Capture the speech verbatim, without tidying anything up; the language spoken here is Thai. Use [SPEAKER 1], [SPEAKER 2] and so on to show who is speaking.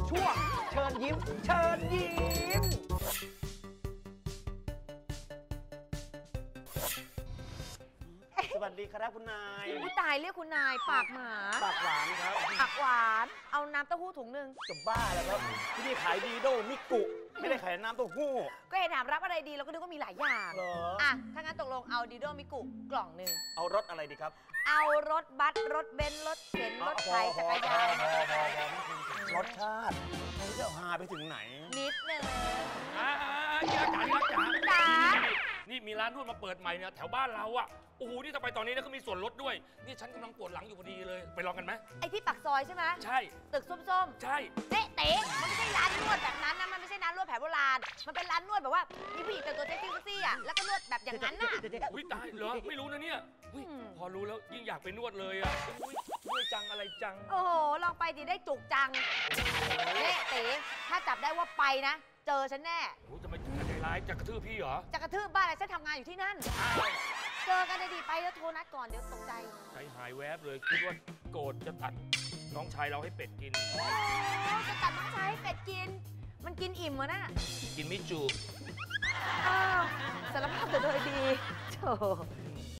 [SPEAKER 1] ช่วงเชิญยิ้มเชิญยิ้มสวัสดีครับคุณนาย
[SPEAKER 2] ผู้ตายเรียกคุณนายปากหมา
[SPEAKER 1] ปากหวานครับ
[SPEAKER 2] ปากหวานเอาน้ำเต้าหู้ถุงหนึ่ง
[SPEAKER 1] จะบ้าแล้วครับที่นี่ขายดีโดมิกุไม่ได้ขายน้ำเต้าหู้
[SPEAKER 2] ก็เห็นถามรับอะไรดีเราก็นึกว่ามีหลายอย่าง
[SPEAKER 1] เหรอ
[SPEAKER 2] อ่ะถ้างั้นตกลงเอาดีโดมิกุกล่องหนึ่ง
[SPEAKER 1] เอารถอะไรดีครับ
[SPEAKER 2] เอารถบัสรถเบนซ์รถเข็นรถไถจักรยาน
[SPEAKER 1] รถชาติมันจะหาไปถึงไหน
[SPEAKER 2] นิดนึง
[SPEAKER 3] อ่าจ๋าจ๋าจ๋า
[SPEAKER 2] จ๋า
[SPEAKER 3] นี่มีร้านนวดมาเปิดใหม่เนี่ยแถวบ้านเราอ่ะโอ้โหนี่ถ้าไปตอนนี้เนี่ยเขามีส่วนลดด้วยนี่ฉันกำลังปวดหลังอยู่พอดีเลยไปลองกันไหม
[SPEAKER 2] ไอ้ที่ปากซอยใช่ไหม
[SPEAKER 3] ใช่
[SPEAKER 2] ตึกส้ม
[SPEAKER 3] ๆใช่
[SPEAKER 2] เต๊ะเต๊ะมันไม่ใช่ร้านนวดแบบนั้นนะมันไม่ใช่ร้านนวดแผนโบราณมันเป็นร้านนวดแบบว่ามีผู้หญิงแต่งตัวเซ็กซี่ซี่อ่ะแล้วก็นวดแบบอย่างนั้นน่ะ
[SPEAKER 3] อุ้ยตายเหรอไม่รู้นะเนี่ยพอรู้แล้วยิ่งอยากไปนวดเลยอ่ะอุ้ยนวดจังอะไรจัง
[SPEAKER 2] โอ้โหลองไปดิได้จุกจังเต๊ะเต๊ะถ้าจับได้ว่าไปนะเจอฉันแน่
[SPEAKER 3] โอ้จะไม่ใจร้ายจะกระทืบพี่เหรอ
[SPEAKER 2] จะกระทืบบ้านอะไรฉันทำงานอยู่ที่นั่นเจอกันได้ดีไปแล้วโทรนัดก่อนเดี๋ยวตกใจ
[SPEAKER 3] ใจหายแวบเลยคิดว่าโกรธจะตัดน้องชายเราให้เป็ดกิน
[SPEAKER 2] โอ้จะตัดน้องชายให้เป็ดกินมันกินอิ่มวะน่ะ
[SPEAKER 3] กินไม่จุ
[SPEAKER 2] อ้าวสารภาพแต่โดยดีโธ่